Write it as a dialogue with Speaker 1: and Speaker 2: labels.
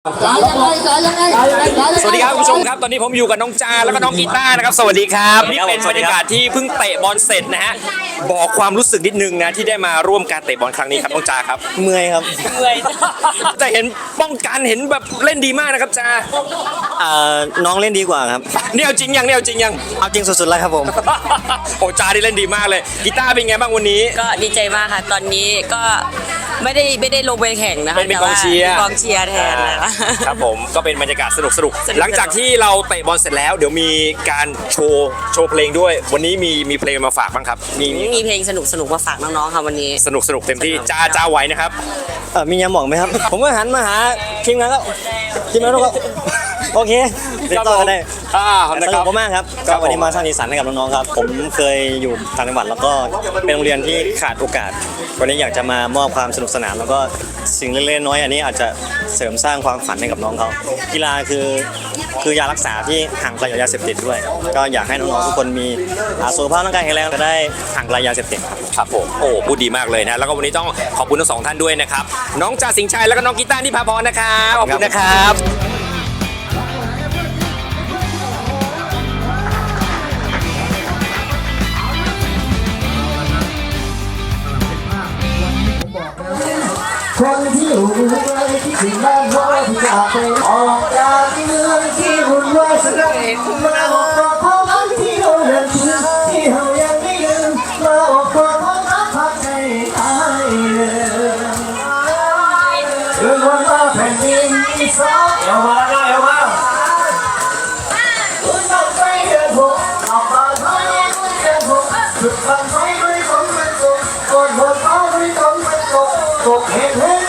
Speaker 1: สวัสดีครับคุณผู้ชมครับตอนนี้ผมอยู่กับน้องจาแล้วก็น้องกีตาร์นะครับสวัสดีครับนี่เป็นบรรยากาศที่เพิ่งเตะบอลเสร็จนะฮะบอกความรู้สึกนิดนึงนะที่ได้มาร่วมการเตะบอลครั้งนี้ครับน้องจาครับ
Speaker 2: เมื่อยครับ
Speaker 1: แต่เห็นป้องกันเห็นแบบเล่นดีมากนะครับจา
Speaker 2: น้องเล่นดีกว่าครับ
Speaker 1: เนี่ยเอาจริงยังเนี่ยเอาจริงยัง
Speaker 2: เอาจริงสุดๆแล้วครับผม
Speaker 1: โอ้จาที่เล่นดีมากเลยกีตาร์เป็นไงบ้างวันนี้
Speaker 3: ก็ดีใจมากค่ะตอนนี้ก็ไม่ได้ลงไปแข่งนะคะ
Speaker 1: เป็นกองเชียร์
Speaker 3: แต่ว่าเป็นกองเชียร์แทนนะคะ
Speaker 1: ครับผมก็เป็นบรรยากาศสนุกหลังจากที่เราเตะบอลเสร็จแล้วเดี๋ยวมีการโชว์เพลงด้วย วันนี้มีเพลงมาฝากบ้างครับมี
Speaker 3: เพลงสนุกมาฝากน้องๆค่ะวันนี้
Speaker 1: สนุกเต็มที่จ้าไหวนะครับ
Speaker 2: มียาหมองไหมครับ ผมก็หันมาหาทีมงานแล้วทีมงานก็โอเคติดต่อกันได้ส
Speaker 1: นะค
Speaker 2: นุ
Speaker 1: รับ
Speaker 2: กมากครับ
Speaker 1: ครั
Speaker 2: ก็
Speaker 1: บ
Speaker 2: วันนี้มาสร้างสีสันให้กับน้องๆครับ ผมเคยอยู่ต่างจังหวัดแล้วก็เป็นโรงเรียนที่ขาดโอกาส วันนี้อยากจะมามอบความสนุกสนานแล้วก็สิ่งเล็กๆน้อยๆอันนี้อาจจะเสริมสร้างความฝันให้กับน้องเขากีฬาคือยารักษาที่ห่างไกลจากยาเสพติดด้วย ก็อยากให้น้องๆทุกคนมีสุขภาพร่างกายแข็งแรงจะได้ห่างไกลยาเสพติดครับ
Speaker 1: ครับผมโอ้พูดดีมากเลยนะแล้วก็วันนี้ต้องขอบคุณทั้งสองท่านด้วยนะครับน้องจ่าสิงห์ชัยแล้วก็น้องกีตาร์นิพาพรนะครับขอบคุณนะครับ
Speaker 4: คนที่อยู่ไกลที่ถึงบ้านน้อยที่จากไปออกจากเมืองที่วุ่นวายสักมาออกกอดพ่อพักที่เราเดินถึงที่เรายังไม่ลืมมาออกกอดพ่อพักพักใจตายเลยเรื่องวันมาแผ่นดินที่สองเอามาเอามาคุณต้องไปเดินหกออกมาทางนี้คุณเดินหกสุดฟังไฟด้วยคนมันตกกดบนฟ้าด้วยคนมันตกตกเหตุ